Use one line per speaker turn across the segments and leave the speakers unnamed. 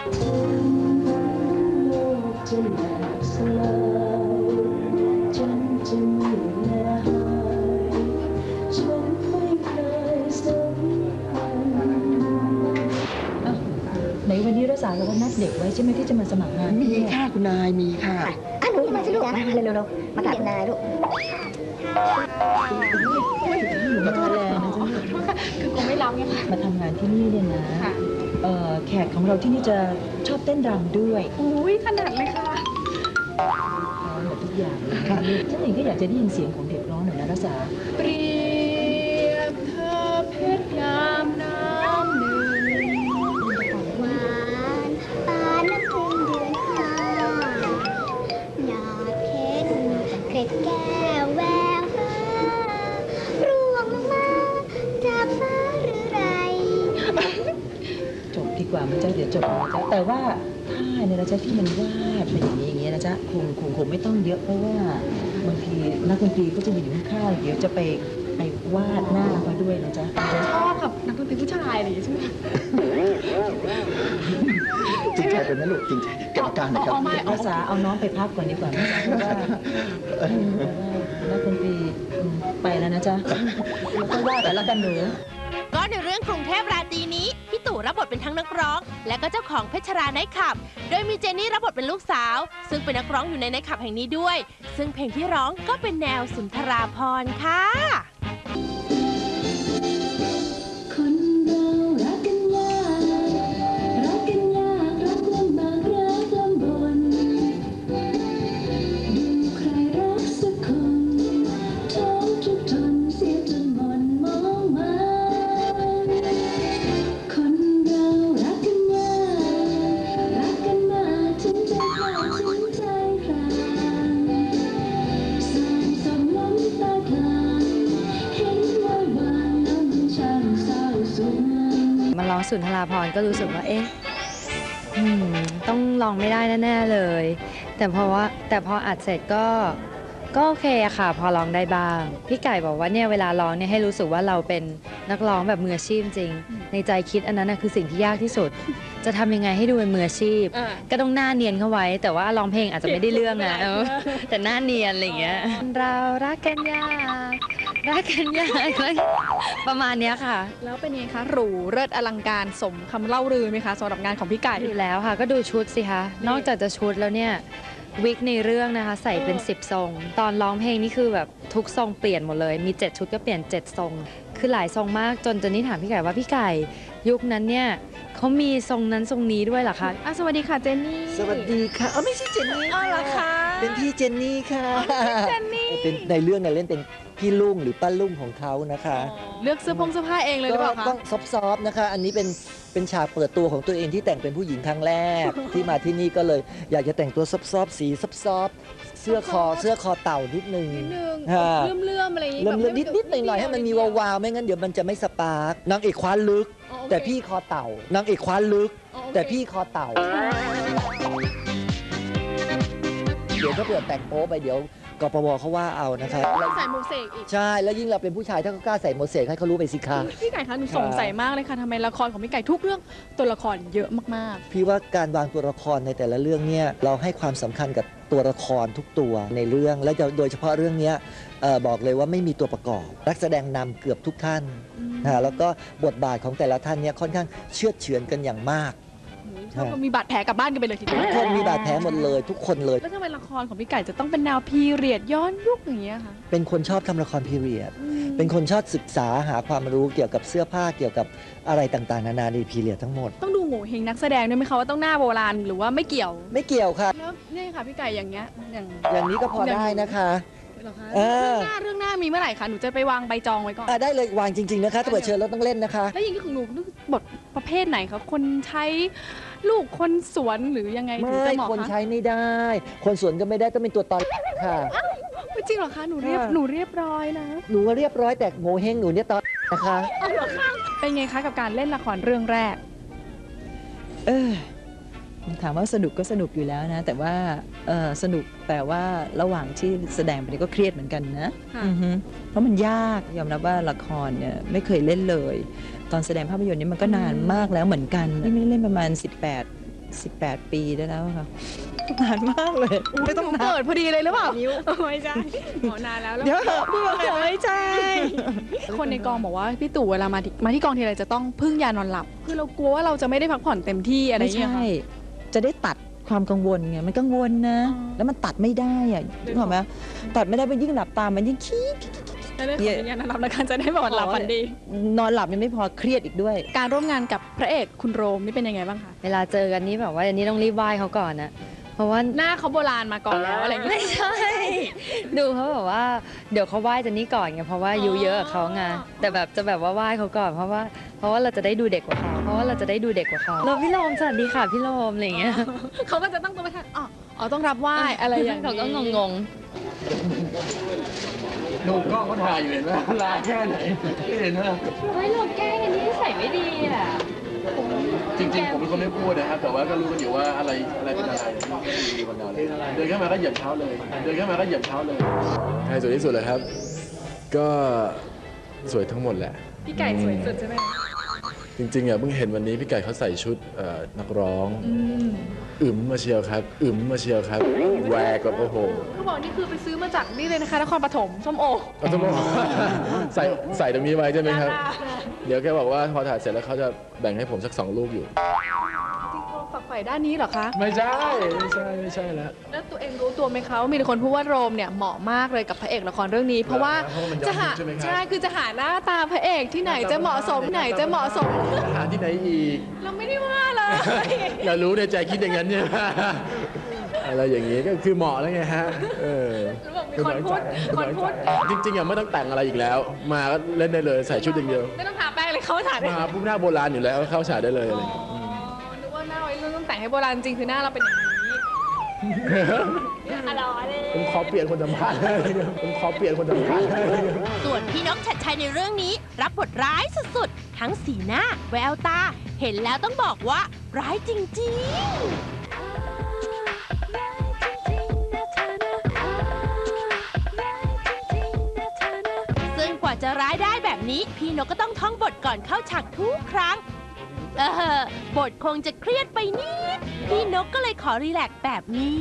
ในวันนี้รักษาเราก็นัดเด็กไว้ใช่ไหมที่จะมาสมัครงาน
มีค่ะคุณนายมีค่ะ
หนูมาสิลูกมาเร็วๆมากราบคุณนายลูก
มาทำแรงนะจ๊ะ
คือคงไม่รับไงคะ
มาทำงานที่นี่เนี่ยนะแขกของเราที่นี่จะชอบเต้นรำด้วย
อุ้ยขนาดเลยค่ะ
พร้อมหมดทุกอย่างเลยฉันเองก็อยากจะได้ยินเสียงของเด็กร้องหน่อยนะรักษา
เปรียบเธอเพชรยามน้ำหนึ่ง
หวานปานน้ำพึ่งเดือนห้าหยาดเค็ดเกล็ดแก้วแววฟ้าร่วงลงมาจากฟ้าหรือไร
จบดีกว่ามันจะเดี๋ยวจบนะจ๊ะแต่ว่าท่าเนี่ยนะจ๊ะที่มันวาดเป็นอย่างนี้นะจ๊ะคงไม่ต้องเยอะเพราะว่าบางทีนักดนตรีก็จะอยู่ข้างๆเดี๋ยวจะไปวาดหน้าเขาด้วยนะจ๊ะ
ชอบกับนักดนตรีผู้ชายอะไรอย่างนี้ใช่ไหม
จริงใจเป็นนะลูกจริงใจกรรมการนะครับ
ภาษาเอาน้องไปพักก่อนดีกว่าเพราะว่านักดนตรีไปแล้วนะจ๊ะแล้วก็วาดแต่ละกันหนู
ก็ในเรื่องกรุงเทพราตรีนี้พี่ตู่รับบทเป็นทั้งนักร้องและก็เจ้าของเพชรราไนท์คลับโดยมีเจนนี่รับบทเป็นลูกสาวซึ่งเป็นนักร้องอยู่ในไนท์คลับแห่งนี้ด้วยซึ่งเพลงที่ร้องก็เป็นแนวสุนทราภรณ์ค่ะ
คนเรารักกันยากรักกันยากรักลำบากรักลำบนดูใครรักสักคนท้องทุกทนเสียจนหม่นมองมาคนเรารักกันยากรักกันมากถึงใจขาดถึงใจขาดสายสมน้ำตาคลาเห็นว่าวางแล้วมันช่างเศร้าสุด
มาร้องสุนทราภรณ์ก็รู้สึกว่าต้องร้องไม่ได้แน่ๆเลยแต่พออัดเสร็จก็โอเคอะค่ะพอร้องได้บ้างพี่ไก่บอกว่าเนี่ยเวลาร้องเนี่ยให้รู้สึกว่าเราเป็นนักร้องแบบมืออาชีพจริงในใจคิดอันนั้นคือสิ่งที่ยากที่สุดจะทำยังไงให้ดูเป็นมืออาชีพก็ต้องหน้าเนียนเข้าไว้แต่ว่าร้องเพลงอาจจะไม่ได้เรื่องนะแต่หน้าเนียนอะไรอย่างเงี้ยเรารักกันยากรักกันยากประมาณนี้ค่ะ
แล้วเป็นไงคะหรูเลิศอลังการสมคำเล่าลือไหมคะสำหรับงานของพี่ไก่
อยู่แล้วค่ะก็ดูชุดสิคะนอกจากจะชุดแล้วเนี่ยวิกในเรื่องนะคะใส่เป็น10ทรงตอนร้องเพลงนี่คือแบบทุกทรงเปลี่ยนหมดเลยมี7ชุดก็เปลี่ยน7ทรงคือหลายทรงมากจนนี่ถามพี่ไก่ว่าพี่ไก่ยุคนั้นเนี่ยเขามีทรงนั้นทรงนี้ด้วยเหรอคะ
สวัสดีค่ะเจนนี่
สวัสดีค่ะไม่ใช่เจนนี่
เหรอคะ
เป็นพี่เจนนี่ค่ะ
เจนนี่
เป็นในเรื่องเนี่ยเล่นเป็นพี่ลุงหรือป้าลุงของเขานะคะ
เลือกเสื้อผ้าเองเลยหรือเปล่าคะ
ต้องซอฟๆนะคะอันนี้เป็นฉากเปิดตัวของตัวเองที่แต่งเป็นผู้หญิงครั้งแรก ที่มาที่นี่ก็เลยอยากจะแต่งตัวซอฟๆสีซอฟๆเสื้อคอเต่านิดนึง
เลื่อมอะไรอย่างนี้
นิดหน่อยให้มันมีวาวๆไม่งั้นเดี๋ยวมันจะไม่สปาร์กนางเอกคว้าลึกแต่พี่คอเต่านางเอกคว้าลึกแต่พี่คอเต่าเดี๋ยวถ้าเกิดแต่งโป๊ไปเดี๋ยวกปวเขาว่าเอานะคะ
ใส่โมเสกอีก
ใช่แล้วยิ่งเราเป็นผู้ชายถ้าเขากล้าใส่โมเสกให้เขารู้ไปสิคะ
พี่ไก่คะหนูสงสัยมากเลยค่ะทำไมละครของพี่ไก่ทุกเรื่องตัวละครเยอะมาก
ๆพี่ว่าการวางตัวละครในแต่ละเรื่องเนี่ยเราให้ความสำคัญกับตัวละครทุกตัวในเรื่องและโดยเฉพาะเรื่องนี้บอกเลยว่าไม่มีตัวประกอบนักแสดงนำเกือบทุกท่านแล้วก็บทบาทของแต่ละท่านเนี่ยค่อนข้างเชื่อดเฉือนกันอย่างมาก
มีบาดแผลกลับบ้านกันไปเลยทีเดียว
ทุกคนมีบาดแผลหมดเลยทุกคนเลย
แล้วทำไมละครของพี่ไก่จะต้องเป็นแนวพีเรียดย้อนยุคอย่างเงี้ยคะ
เป็นคนชอบทำละครพีเรียดเป็นคนชอบศึกษาหาความรู้เกี่ยวกับเสื้อผ้าเกี่ยวกับอะไรต่างๆนานาในพีเรียดทั้งหมด
ต้องดูโง่เฮงนักแสดงด้วยไหมคะว่าต้องหน้าโบราณหรือว่าไม่เกี่ยว
ค่ะ
แล้วนี่ค่ะพี่ไก่อย่างเงี้ย
อย่างนี้ก็พอได้นะคะ
เรื่องหน้ามีเมื่อไหร่คะหนูจะไปวางใบจองไว้ก่อน
ได้เลยวางจริงๆนะคะถ้าเปิดเชิญเราต้องเล่นนะคะ
แล้วอย่างนี้ของหนูบทประเภทไหนคะคนใช้ลูกคนสวนหรือยังไงถึงจะเหมาะคะ
คนใช้ไม่ได้คนสวนก็ไม่ได้ต้องเป็นตัวตอนค่ะ
ไม่จริงหรอคะหนูเรียบร้อยนะ
หนูเรียบร้อยแต่โงเฮงหนูเนี่ยตอนนะคะ
เป็นไงคะกับการเล่นละครเรื่องแรก
ถามว่าสนุกก็สนุกอยู่แล้วนะแต่ว่าสนุกแต่ว่าระหว่างที่แสดงไปก็เครียดเหมือนกันนะเพราะมันยากยอมรับว่าละครเนี่ยไม่เคยเล่นเลยตอนแสดงภาพยนตร์นี่มันก็นานมากแล้วเหมือนกันไม่เล่นประมาณ 18 ปีได้แล้วค่ะนานมากเลยไม่ต้อง
หนู
นับ
เกิดพอดีเลยหรือเปล่าไม่ใช่หมอนานแล้วแล้ว
เดี๋ยวเถอะพูดว่าไม่ใช่
คนในกองบอกว่าพี่ตู่เวลามาที่กองทีไรจะต้องพึ่งยานอนหลับคือเรากลัวว่าเราจะไม่ได้พักผ่อนเต็มที่อะไรอ
ไม่
ย่างเงี้ย
ใช่
ค่ะ
จะได้ตัดความกังวลไงมันกังวลนะ
อ๋อ
แล้วมันตัดไม่ได้อ่ะนึกออกไหมตัดไม่ได้มันยิ่งหลับตามันยิ่งคิด
ได้ขอเป็นยานอนหลับแล้วกันจะได้แบบหลับฝันดี
นอนหลับยังไม่พอเครียดอีกด้วย
การร่วมงานกับพระเอกคุณโรมนี่เป็นยังไงบ้างคะ
เวลาเจอกันนี่แบบว่าอันนี้ต้องรีบไหว้เขาก่อนนะเพราะว่า
หน้าเขาโบราณมาก่อนแล้วอะไรอย่างเงี้ย
ไม่ใช่ ดูเขาแบบว่าเดี๋ยวเขาไหว้เจนนี่ก่อนไงเพราะว่าอายุเยอะกับเขาไงแต่แบบจะแบบว่าไหว้เขาก่อนเพราะว่าเราจะได้ดูเด็กกว่าเขาแล้วพี่โรมสวัสดีค่ะพี่โรมอะไรอย่างเงี้ย
เขาก็จะตั้งตัวไม่ทันอ๋อต้องรับไหว้อะไรอย่าง
เขา
นี้
ก็งง
ดูกล้องเขาถ่ายอยู่เห็นไหมลาแค่ไหนไม่เห็นนะ
ๆเฮ้ยเราแกล้งกันนี่ใส่ไม่ดีอ่ะ
จริงๆผมเป็นคนไม่พูดนะครับ แต่ว่าก็รู้กันอยู่ว่าอะไรเป็นอะไรดูบรรดาเลยเดินเข้ามาก็เหยียบเท้าเลยใครสวยที่สุดเลยครับ ก็สวยทั้งหมดแหละ
พี่ไก่สวยสุดใช่ไหม
จริงๆอ่ะเพิ่งเห็นวันนี้พี่ไก่เขาใส่ชุดนักร้องมาเชียวครับแหวกแบบโอ้โห
เขาบอกนี่คือไปซื้อมาจากนี่เลยนะคะนครปฐมส้มโอ
เอาต้องบอกใส่ตรงนี้ไว้ใช่ไหมครับ เดี๋ยวแค่บอกว่าพอถ่ายเสร็จแล้วเขาจะแบ่งให้ผมสัก2 ลูกอยู่
ฝักใฝ่ด้านนี้เหรอคะ
ไม่ใช่แล้ว
แล้วตัวเองรู้ตัวไหมคะว่ามีคนพูดว่าโรมเนี่ยเหมาะมากเลยกับพระเอกละครเรื่องนี้ เพราะว่า
เพราะว่ามันย้อน
จะหา
ยุคใช่ไหมครับ
ใช่คือจะหาหน้าตาพระเอกที่ไหนจะเหมาะสมไหนจะเหมาะสม
หาที่ไหนอีก
เราไม่ได้ว่าเลย
อย่ารู้ในใจคิดอย่างนั้นเนี่ย อะไรอย่างนี้ก็คือเหมาะแล้วไงฮะ
มีคนพูด
จริงๆอ่ะไม่ต้องแต่งอะไรอีกแล้ว มาก็เล่นได้เลยใส่ชุดอย่างเดียว
ไม่ต้องทาแป้งเลยเขาถ่ายได้
มาปุ๊บหน้าโบราณอยู่แล้วเข้าฉากได้เลยอะไรอย่างเงี้ย
นึกว่าหน้าไว้รุ่นต้องแต่งให้โบราณจริงคือหน้าเราเป็นอย่างนี้อร่อยเลย
ผมขอเปลี่ยนคนสัมภาษณ์
ส่วนพี่นกชัดชัยในเรื่องนี้รับบทร้ายสุดๆ ทั้งสีหน้าแววตา เห็นแล้วต้องบอกว่าร้ายจริงๆ ซึ่งกว่าจะร้ายได้แบบนี้ พี่นกก็ต้องท่องบทก่อนเข้าฉากทุกครั้ง บทคงจะเครียดไปนิด พี่นกก็เลยขอรีแลกซ์แบบนี้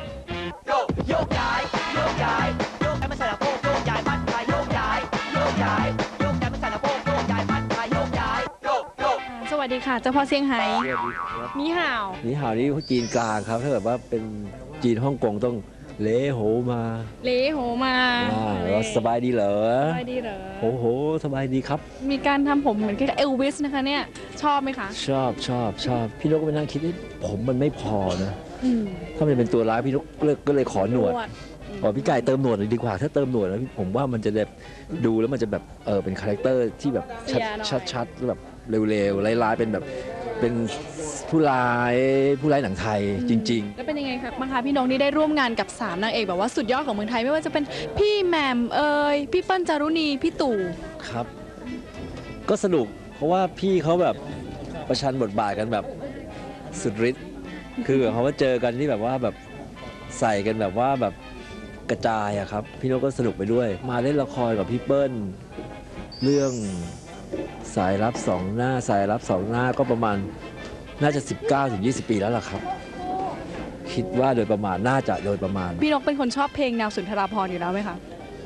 สวัสดีค่ะเจ้าพ่อเซี่ยงไฮ้นี่ห่าว
นี่ห่าวนี่จีนกลางครับ ถ้าแบบว่าเป็นจีนฮ่องกงต้องเลโหมา
เลโหมา
แล้วสบายดีเหรอ
สบายดีเหรอ
โหสบายดีครับ
มีการทำผมเหมือนกับเอลวิสนะคะเนี่ย ชอบไหมคะ
ชอบพี่นกก็ไปนั่งคิดว่าผมมันไม่พอนะ ถ้ามันเป็นตัวร้ายพี่นกก็เลยขอหนวดบอกพี่ไก่เติมหนวดเลยดีกว่า ถ้าเติมหนวดแล้วผมว่ามันจะแบบดูแล้วมันจะแบบเป็นคาแรคเตอร์ที่แบบชัดแบบเร็วๆร้ายๆเป็นแบบเป็นผู้ร้ายหนังไทยจริง ๆ
แล้วเป็นยังไงครับบ้างคะพี่นกนี่ได้ร่วมงานกับ3นางเอกแบบว่าสุดยอดของเมืองไทยไม่ว่าจะเป็นพี่แหม่มพี่เปิ้ลจารุณีพี่ตู่
ครับ ก็สนุกเพราะว่าพี่เขาแบบประชันบทบาทกันแบบสุดฤทธิ์คือแบบเขาว่าเจอกันที่แบบว่าแบบใส่กันแบบว่าแบบกระจายอะครับพี่นกก็สนุกไปด้วย มาเล่นละครกับพี่เปิ้ลเรื่องสายลับสองหน้าก็ประมาณน่าจะ 19-20 ปีแล้วล่ะครับ คิดว่าโดยประมาณน่าจะโดยประมาณ
พี่นกเป็นคนชอบเพลงแนวสุนทราภรณ์อยู่แล้วไหมคะ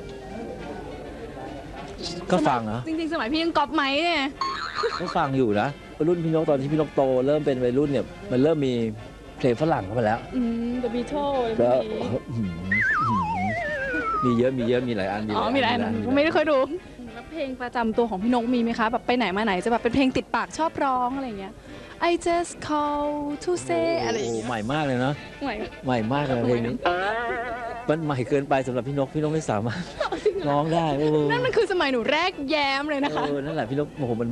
ก็ฟังนะ
จริงๆสมัยพี่ยังก๊อปไหมเนี่ย
ก็ฟังอยู่นะรุ่นพี่นกตอนที่พี่นกโตเริ่มเป็นวัยรุ่นเนี่ยมันเริ่มมีเพลงฝรั่งเข้ามาแล้ว
The Beatles
ก็มีเยอะมีหลายอัน
มีหลายอันผมไม่ได้เคยดูแล้วเพลงประจำตัวของพี่นกมีไหมคะแบบไปไหนมาไหนจะแบบเป็นเพลงติดปากชอบร้องอะไรอย่างเงี้ย I just call to say อะไรอย่างเงี้ย
ใหม่มากเลยนะ
ใหม่
ใหม่มากเลยเพลงนี้มันใหม่เกินไปสำหรับพี่นกไม่สามารถร้องได้โอ้
นั่นมันคือสมัยหนูแรกแย้มเลยนะคะ
นั่นแหละพี่นกโอ้โหมัน